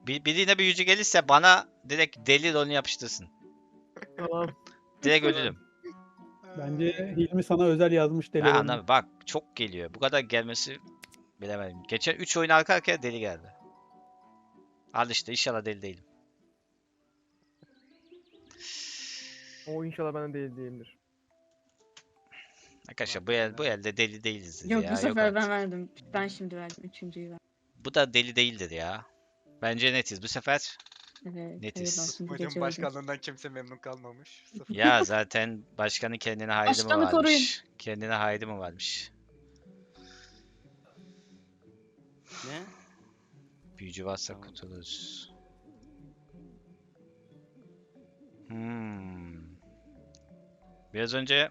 Birine büyücü gelirse bana direkt deli rolünü yapıştırsın. Tamam. Direkt ölürüm. Bence Hilmi sana özel yazmış Ben deli rolünü. anlamıyorum. Bak çok geliyor. Bu kadar gelmesi bilemedim. Geçen 3 oyun arka arkaya deli geldi. Al işte inşallah deli değilim. O inşallah bana değildir. Arkadaşlar bu elde deli değiliz Yok ya. bu sefer ben artık. verdim. Ben şimdi verdim. Üçüncüyü verdim. Bu da deli değildir ya. Bence netiz. Bu sefer Evet. Netiz. Hayırlı olsun bu Hocam gece öldüm. başkanlığından kimse memnun kalmamış. Sıfır. ya zaten başkanın kendine haydi mi Başkanı koruyun. varmış? Kendine haydi mi varmış? Ne? Büyücü varsa Tamam. kurtuluruz. Biraz önce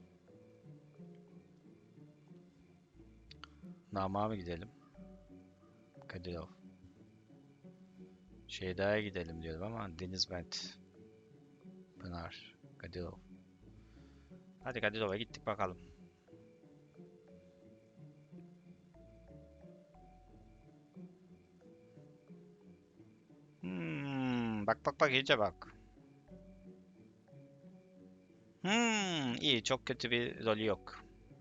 Nam'a mı gidelim? Kadirov. Şeyda'ya gidelim diyorum ama Denizbent. Pınar. Kadirov. Hadi Kadirov'a gittik bakalım. Bak iyice bak. İyi çok kötü bir rolü yok.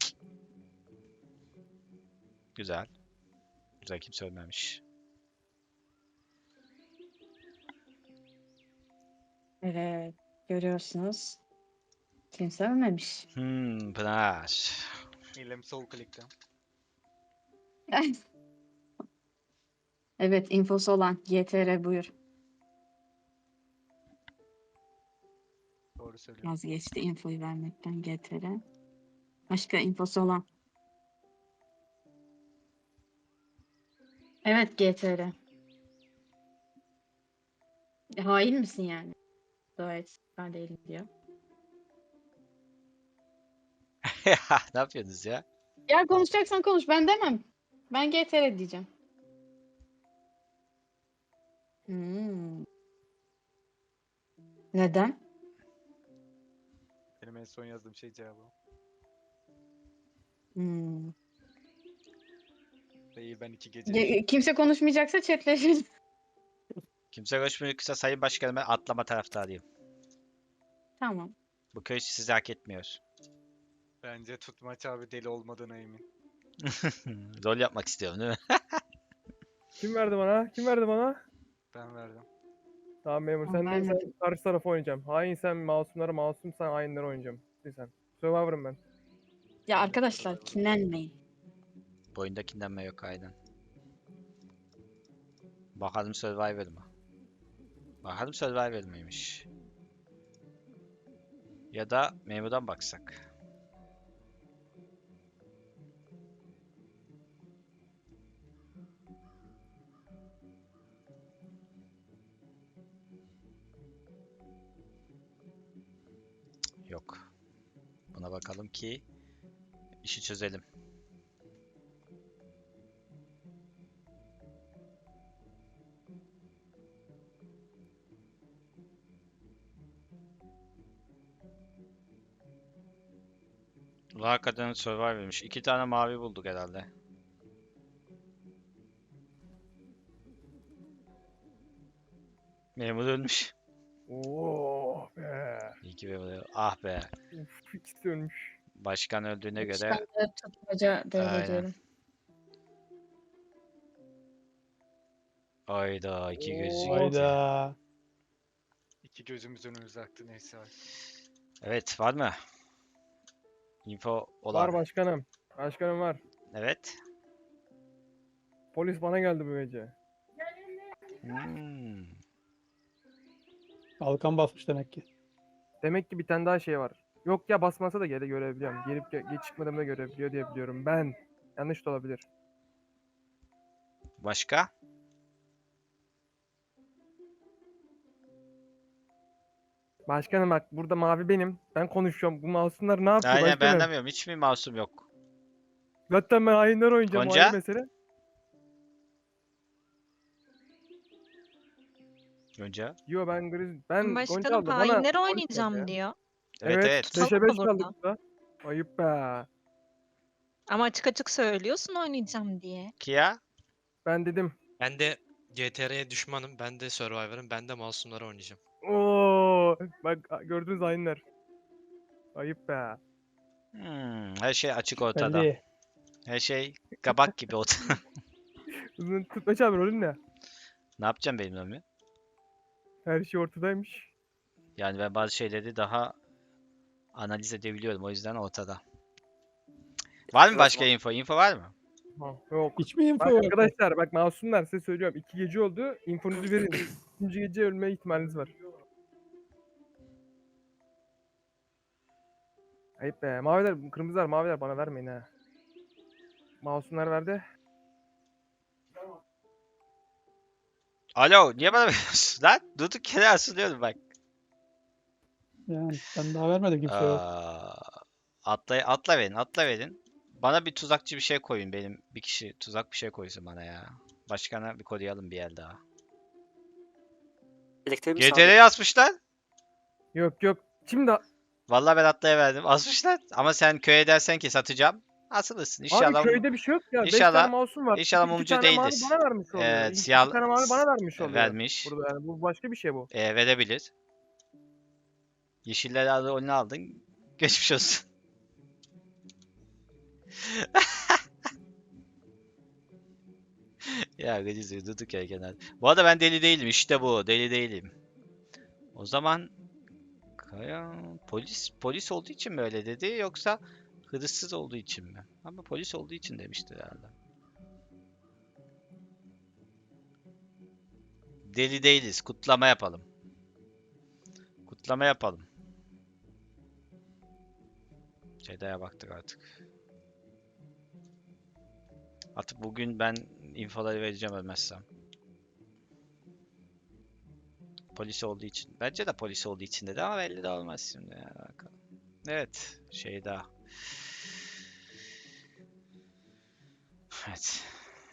Güzel. Güzel kimse ölmemiş. Evet. Görüyorsunuz. Kimse ölmemiş. Pınar. İlem sol klikte. Evet. Infosu olan. GTR buyur. Doğru söylüyorum. Vazgeçti infoyu vermekten GTR. Başka infosu olan. Evet GTR. Hain misin yani? Gayet ben değilim diyor. Ne yapıyorsunuz ya? Ya konuşacaksan konuş. Ben demem. Ben GTR diyeceğim. Neden? Benim en son yazdığım şey cevabı. Değil ben 2 gece. Kimse konuşmayacaksa chatleşiriz. Kimse konuşmuyorsa Sayın Başkanım ben atlama taraftarıyım. Tamam. Bu köy sizi hak etmiyor. Bence Tutmaç abi deli olmadığına emin. Rol yapmak istiyorum değil mi? Kim verdi bana? Kim verdi bana? Ben verdim. Tamam memur. Tamam, Sen vermedim. karşı tarafa oynayacağım. Hain sen masumlara, masum sen hainlere oynayacağım. Sen. Survivor'ım ben. Ya arkadaşlar kinlenmeyin. Bu oyunda kinlenme yok aynen. Bakalım Survivor mı? Bakalım Survivor mıymış? Ya da memurdan baksak. Yok. Buna bakalım ki işi çözelim. Ulan hakikaten Survivor'mış. 2 tane mavi bulduk herhalde. Memur ölmüş. Oo be. İyi ki memur. Ah be. Uf, ikisi ölmüş. Başkan öldüğüne göre Ben de tutmaca devrediyorum. aynen. Ayda iki gözü gitti. Hayda. İki gözümüz önümüze aktı neyse abi. Evet var mı? Info olan. Var başkanım. Başkanım var. Evet. Polis bana geldi bu gece. Kalkan basmış demek ki. Demek ki bir tane daha şey var. Yok ya basmasa da görebiliyorum. Gelip geç çıkmadığımda görebiliyor diye biliyorum. Ben. Yanlış da olabilir. Başka? Başkanım bak burada mavi benim. Ben konuşuyorum. Bu masumlar ne yapıyor Aynen ben başkanım? anlamıyorum. Hiç mi masum yok? Zaten ben hainler oynayacağım. O Gonca? ayrı mesele. Önce. Yo ben Griz... Ben Gonca Başkanım abla bana hainleri polis geldi oynayacağım ya. diyor. Evet evet. Tutalım 5'e 5 mı kaldık burada? burada. Ayıp be. Ama açık açık söylüyorsun oynayacağım diye. Kia? Ben dedim. Ben de GTR'ye düşmanım. Ben de Survivor'ım. Ben de masumları oynayacağım. Oo, bak gördünüz hainler. Ayıp be. Her şey açık ortada. Belli. Her şey kabak gibi ortada. Uzun tutmaç abi rolün ne? Ne yapacağım benim rolümü? Her şey ortadaymış. Yani ben bazı şeyleri daha analiz edebiliyorum. O yüzden ortada. Var mı başka info? Info var mı? Ha, yok. Hiç mi info Bak yok? arkadaşlar bak masumlar size söylüyorum. 2 gece oldu. İnfonuzu verin. 3. gece ölme ihtimaliniz var. Ayıp be. Maviler, kırmızılar, maviler bana vermeyin ha. Masumlar verdi. Alo, niye bana veriyorsun lan? Durduk yere asılıyorum bak. Yani ben daha vermedim kimseye. Atla verin, atla verin. Bana bir tuzakçı bir şey koyun benim. Bir kişi tuzak bir şey koysun bana ya. Başkana bir koruyalım bir el daha. Elektriği mi GTR'ye asmışlar. Yok yok. Şimdi Vallahi ben atlaya verdim. Asmışlar. Ama sen köye dersen ki satacağım. Asılırsın. İnşallah. abi köyde bir şey yok ya. 5 İnşallah- tane masum var. inşallah 2 mumcu tane mavi değiliz. bana vermiş oluyor. Evet, 2 siyah- tane mavi bana vermiş oluyor. vermiş. Burada yani bu başka bir şey bu. Verebilir. Yeşilleri aldı, onu aldın. Geçmiş olsun. Ya gıcız durduk ya genel. Bu arada ben deli değilim. İşte bu. Deli değilim. O zaman polis olduğu için mi öyle dedi yoksa hırsız olduğu için mi? Ama polis olduğu için demişti herhalde. Deli değiliz. Kutlama yapalım. Kutlama yapalım. Ceyda'ya baktık artık. Artık bugün ben infoları vereceğim ölmezsem. Polis olduğu için. Bence de polis olduğu için dedi ama belli de olmaz şimdi. Ya. Bakalım. Evet. Şeyda. Evet.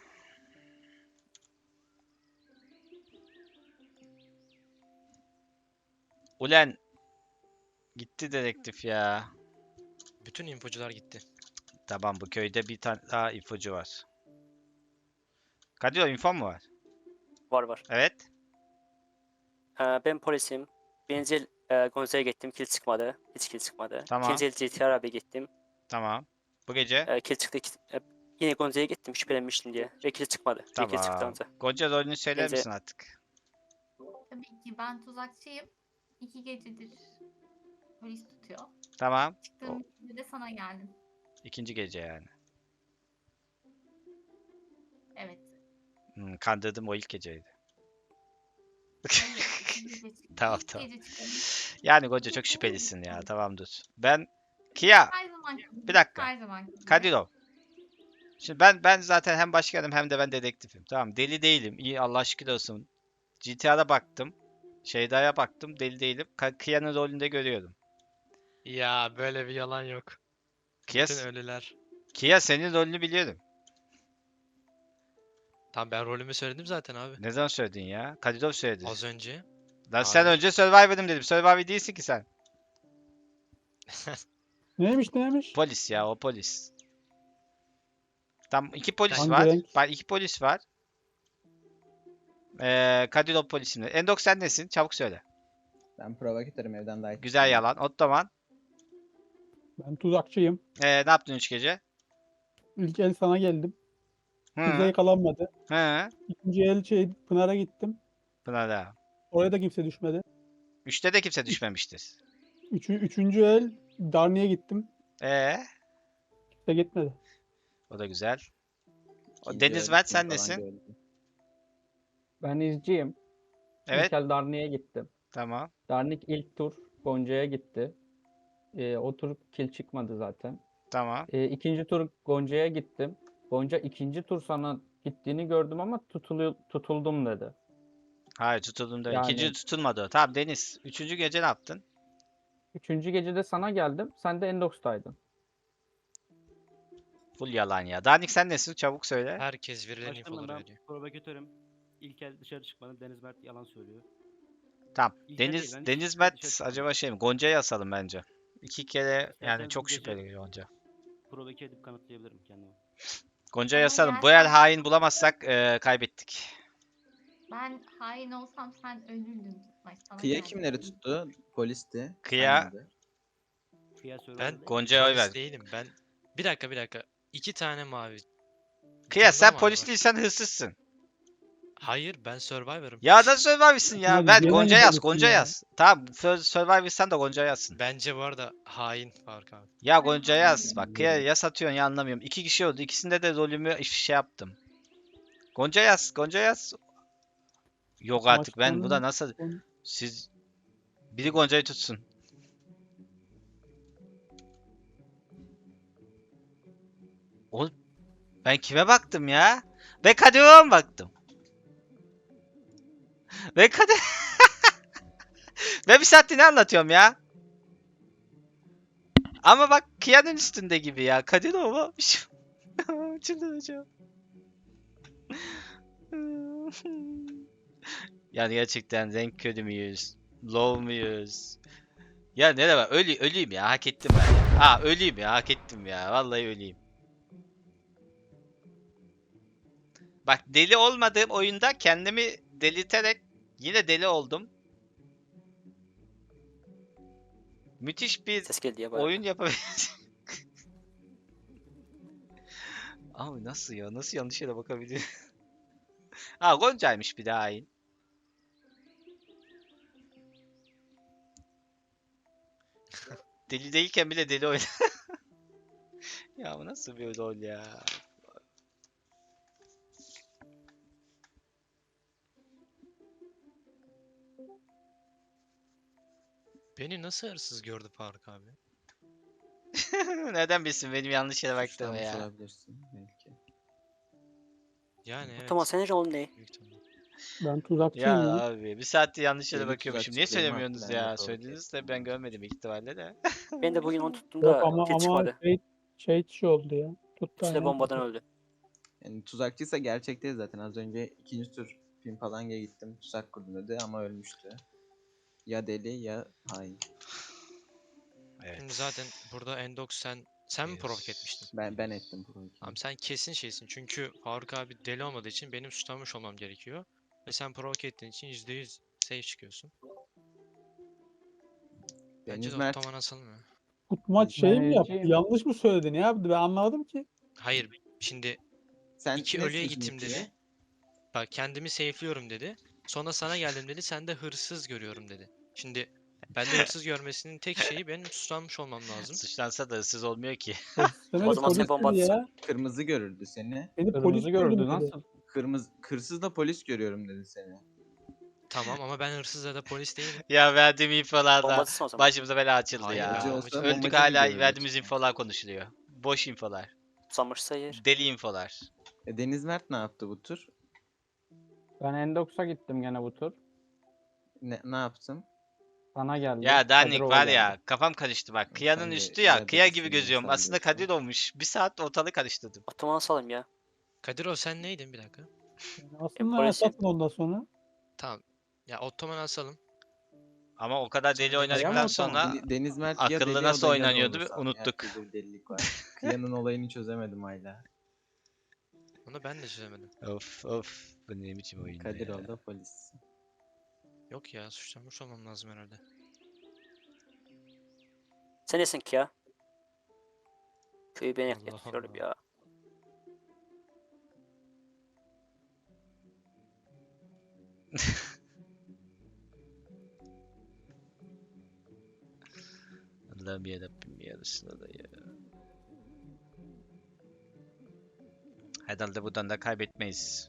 Ulen. Gitti dedektif ya. Bütün infocular gitti. Tamam bu köyde bir tane daha ipucu var. Kadir info mu var? Var. Evet. Ben polisim. Birinci Gonza'ya gittim. Kill çıkmadı. Hiç kill çıkmadı. Tamam. İkinci GTR abi gittim. Tamam. Bu gece. Kill çıktı. Yine Gonza'ya gittim şüphelenmiştim diye. Ve kill çıkmadı. Bir kill çıktı Tamam. anca. Gonca rolünü söyler Gece- misin artık? Tabii ki ben tuzakçıyım. 2 gecedir polis tutuyor. Tamam. Çıktığım gece de sana geldim. İkinci gece yani. Evet. Kandırdım o ilk geceydi. Hayır, ikinci gece çıktım. Tamam, İlk tamam. gece çıktım. Yani Gonca çok şüphelisin ya. Tamam dur. Ben Kia. Her zaman Bir dakika. Her zaman gibi. Kadirov. Şimdi ben zaten hem başkanım hem de ben dedektifim. Tamam deli değilim. İyi Allah şükür olsun. GTA'da baktım. Şeyda'ya baktım. Deli değilim. Kia'nın rolünde görüyorum. Ya böyle bir yalan yok. Kia, Bütün ölüler. Kia senin rolünü biliyorum. Tamam ben rolümü söyledim zaten abi. Ne zaman söyledin ya? Kadirov söyledi. Az önce. Lan sen Hayır. önce Survivor'ım dedim. Survivor değilsin ki sen. Neymiş? Polis ya o polis. Tam iki polis Hangi var. renk? Bak iki polis var. Kadirov polisimle. Endok sen nesin? Çabuk söyle. Ben provokatörüm evden daha Güzel yalan. Ottoman. Ben tuzakçıyım. Ne yaptın 3 gece? İlk el sana geldim. Kimse Hı. yakalanmadı. Hı. İkinci el Pınar'a gittim. Pınar'a. Oraya da kimse düşmedi. 3'te de kimse düşmemiştir. Üçüncü el Darni'ye gittim. O Kimse gitmedi. da güzel. O İkinci Deniz öğretim Mert sen falan nesin? gördüm. Ben izciyim. Evet. İlkel Darni'ye gittim. Tamam. Darnik ilk tur Gonca'ya gitti. O tur kill çıkmadı zaten. Tamam. İkinci tur Gonca'ya gittim. Gonca ikinci tur sana gittiğini gördüm ama tutuldum dedi. Hayır tutuldum da. Yani- İkinci tutulmadı o. Tamam Deniz. 3. gece ne yaptın? Üçüncü gecede sana geldim. Sen de Endox'taydın. Full yalan ya. Danik sen nesin? Çabuk söyle. Herkes verilen Başkanım infoları ben veriyor. provokatörüm. İlkel dışarı çıkmadı. Deniz Mert yalan söylüyor. Tamam. İlker değil, Deniz ben Deniz dışarı Mert çıkmadım. acaba şey mi? Gonca'yı asalım bence. 2 kere yani İsterseniz çok bu gece- şüpheli Gonca. Provoke edip kanıtlayabilirim kendimi. Gonca'yı Ama asalım. Bu gerçekten- el hain bulamazsak kaybettik. Ben hain olsam sen ölürdün Tutmaç. Sana Kıya geldim. kimleri tuttu? Polisti. Kıya- Saymadı. Kıya Survivor Ben değil mi? Gonca'ya oy polis ver. değilim. Ben bir dakika. 2 tane mavi. Bir Kıya tane daha sen mavi polis var. değilsen hırsızsın. Hayır, ben Survivor'ım. Ya da Survivor'sın ya. Hadi Ver gene Gonca mi yaz, polisin Gonca ya? yaz. Tamam Survivor'san da Gonca yazsın. Bence bu arada hain Faruk abi. Ya Ben Gonca yaz. hainim. Bak Kıya ya satıyorsun ya anlamıyorum. 2 kişi oldu. İkisinde de rolümü şey yaptım. Gonca yaz, Gonca yaz. Yok artık ben bu da nasıl... Siz... Biri Gonca'yı tutsun. Oğlum ben kime baktım ya? Ve Kadir'e mi baktım? Ve Kadir... Ben bir saattir ne anlatıyorum ya? Ama bak Kia'nın üstünde gibi ya. Kadir o çıldıracağım. Yani gerçekten renk körü müyüz? Low muyuz? Ya ne var? Öleyim ya. Hak ettim ben ya. Ha öleyim ya. Hak ettim ya. Vallahi öleyim. Bak deli olmadığım oyunda kendimi delirterek yine deli oldum. Müthiş bir Ses geldi ya bayağı. oyun yapabiliriz. Abi nasıl ya? Nasıl yanlış yere bakabilir? Ha Gonca'ymış bir daha hain. Deli değilken bile deli oynar. Ya bu nasıl bir rol ya? Beni nasıl hırsız gördü Faruk abi? Neden bilsin benim yanlış yere baktığımı Suçlanmış ya? olabilirsin belki. Yani evet. Tamam senin rolün ne? Büyük ihtimalle. Ben tuzakçıyım Ya ya. abi bir saattir yanlış yere Deli bakıyormuşum. Niye tuzakçı Cem söylemiyorsunuz haklı, ben de ya? provoke Söylediniz de ben görmedim büyük ihtimalle de. Ben de bugün onu tuttum Yok da ama kill çıkmadı. şey oldu ya. Tuttu İkisi de aynen. bombadan öldü. Yani tuzakçıysa gerçek değil zaten. Az önce ikinci tur Pimpalanga'ya gittim. Tuzak kurdum dedi ama ölmüştü. Ya deli ya hain. Evet. Şimdi zaten burada Endox sen mi provoke etmiştin? Ben ettim bunu. Tamam sen kesin şeysin. Çünkü Faruk abi deli olmadığı için benim suçlanmış olmam gerekiyor. Ve sen provoke ettiğin için %100 safe çıkıyorsun. Bence Deniz de Mert otoman asalım ya. Tutmaç şey mi yaptı? Deneyiciyim. Yanlış mı söyledi? Ne yaptı? Ben anlamadım ki. Hayır şimdi sen iki nesin ölüye şimdi gittim ki? dedi. Bak kendimi safe'liyorum dedi. Sonra sana geldim dedi. Sen de hırsız görüyorum dedi. Şimdi bende hırsız görmesinin tek şeyi benim suçlanmış olmam lazım. Suçlansa da hırsız olmuyor ki. Demedi, O zaman sen polis bomba dedi atsın. ya. Kırmızı görürdü seni. Beni polis Kırmızı gördü dedi. nasıl? Hırsızla polis görüyorum dedi seni. Tamam ama ben hırsız ya da polis değilim. Ya verdiğim Bomba infolardan atsın o zaman. başımıza bela açıldı Hayır, ya. Bombacı ya. olsa Öldük bombacı hala görürdü verdiğimiz işte. infolar konuşuluyor. Boş infolar. Susamışsa yer. Deli infolar. Deniz Mert ne yaptı bu tur? Ben Endox'a gittim gene bu tur. Ne yaptım? Sana geldi. Ya Danik Kadirova var geldi. ya kafam karıştı bak. Sen Kıya'nın de üstü ya. yer Kıya delisin gibi ya, gözüyorum. sen Aslında diyorsun. Kadir olmuş. Bir saat ortalığı karıştırdım. Otoman asalım ya. Kadir o sen neydin bir dakika? Aslında polisim. asatın ondan sonra. Tamam. Ya otoman asalım. Ama o kadar deli Sonra Deniz oynadıktan Mert sonra Deniz Mert ya akıllı deli nasıl o da ya da oynanıyordu olmasam ya, unuttuk. bir de bir delilik var. Kıya'nın olayını çözemedim hala. Onu ben de çözemedim. Of of. Bu ne biçim oyun Kadir ya. oldu polis. Yok ya suçlanmış olmam lazım herhalde. Sen nesin ki ya? Köyü ben Allah yakıyorum Allah. ya. Allah'ım yarabbim yarısına da ya. Herhalde buradan da kaybetmeyiz.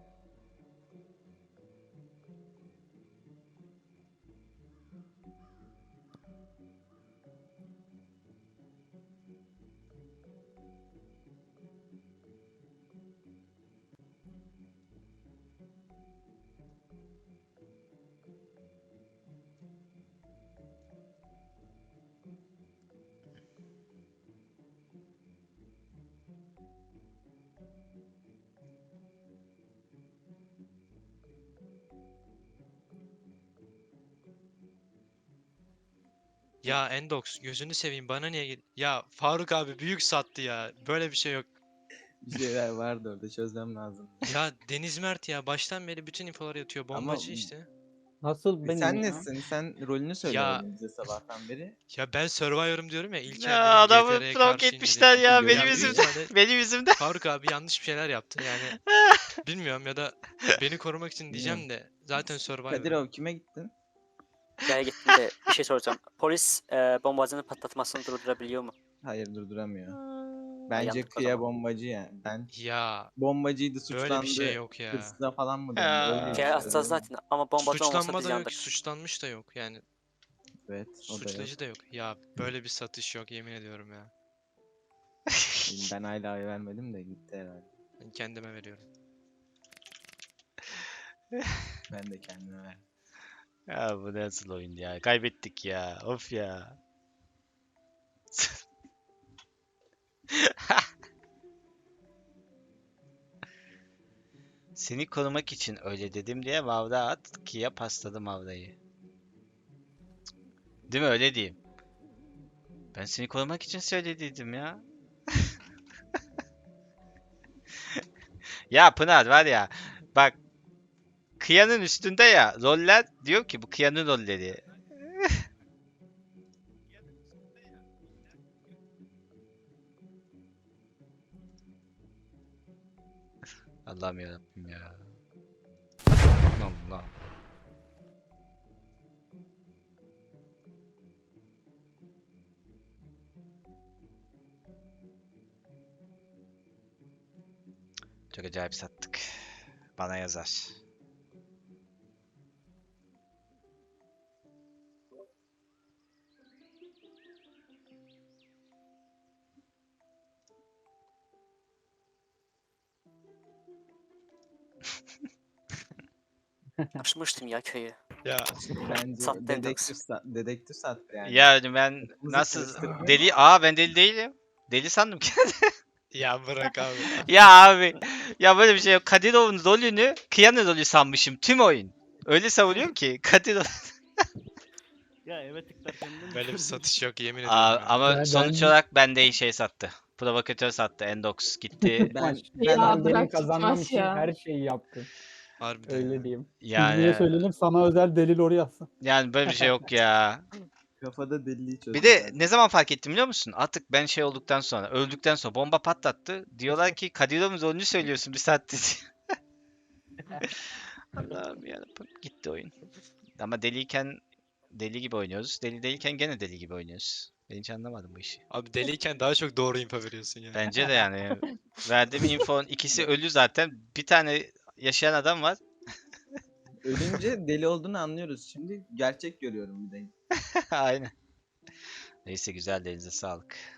Ya Endox gözünü seveyim bana niye Ya Faruk abi büyük sattı ya. Böyle bir şey yok. Bir şeyler vardı orada, çözmem lazım. Ya Deniz Mert ya baştan beri bütün infoları yatıyor. Ama Bombacı işte. Nasıl benim Sen ya? nesin? Sen rolünü söyle Ya- oğlum bize sabahtan beri. Ya ben Survivor'ım diyorum ya İlker Ya benim adamı GTR'ye provoke karşı etmişler indirdi. ya Ya benim büyük yüzümden. ihtimalle Benim yüzümden. Faruk abi yanlış bir şeyler yaptı yani. Bilmiyorum ya da beni korumak için diyeceğim de zaten Kadir Survivor. abi kime gittin? Gel gittim de bir şey soracağım. Polis bombacının patlatmasını durdurabiliyor mu? Hayır, durduramıyor. Bence yandık o Kıya zaman. bombacı ya. Ben Ya bombacıydı, suçlandı. böyle bir şey yok ya. Hırsıza falan mı döndü? Ha. Öyle Kaya işte. atacağız zaten ama bombacı olmasa Suçlanma biz da yok, yandık. suçlanmış da yok. Yani Evet, o da yok. suçlayıcı da yok. Ya böyle bir satış yok yemin ediyorum ya. Ben hala oy vermedim de gitti herhalde. Ben kendime veriyorum. Ben de kendime verdim. Ya bu nasıl oyun ya? Kaybettik ya. Of ya. Seni korumak için öyle dedim diye Mavra at ki ya pasladı Mavra'yı. Değil mi, öyle diyeyim. Ben seni korumak için söylediydim ya. Ya Pınar var ya. Bak. Kıyanın üstünde ya. Roller diyor ki bu Kıyanın rolleri. Allah'ım yarabbim ya. Allah. Çok acayip sattık. Bana yazar. Açmıştım ya köyü. Ya Bence Sattı dedektif, dedektif sattı yani. Yani ben Kafamızı nasıl karıştırmayın. deli? Aa, ben deli değilim. Deli sandım ki. ya bırak abi. Ya abi. Ya böyle bir şey yok. Kadirov'un rolünü Kıyan'ın rolü sanmışım tüm oyun. Öyle savunuyorum ki Kadirov. Ya evet tıklarken de Böyle bir satış yok yemin ediyorum Aa, ya. ama Ben- sonuç ben- olarak bende şey sattı. Provokatör sattı. Endox gitti. Ben, Ben ben benim bırak kazanmam tutmaş için ya. her şeyi yaptım. Harbiden Öyle ya. diyeyim. Bilgiye Yani söyleyelim, sana özel delil oraya yazsın. böyle bir şey yok ya. kafada deliği çözdüm. Bir de zaten. ne zaman fark ettim biliyor musun? Artık ben şey olduktan sonra, öldükten sonra bomba patlattı. Diyorlar ki Kadirov'un rolünü söylüyorsun bir saattir. Allah'ım yarabbim. Gitti oyun. Ama deliyken deli gibi oynuyoruz. Deli değilken gene deli gibi oynuyoruz. Ben hiç anlamadım bu işi. Abi deliyken daha çok doğru info veriyorsun ya. Bence de yani. Verdiğim infonun ikisi ölü zaten. Bir tane yaşayan adam var. Ölünce deli olduğunu anlıyoruz. Şimdi gerçek görüyorum bir de. Aynen. Neyse güzel, elinize sağlık.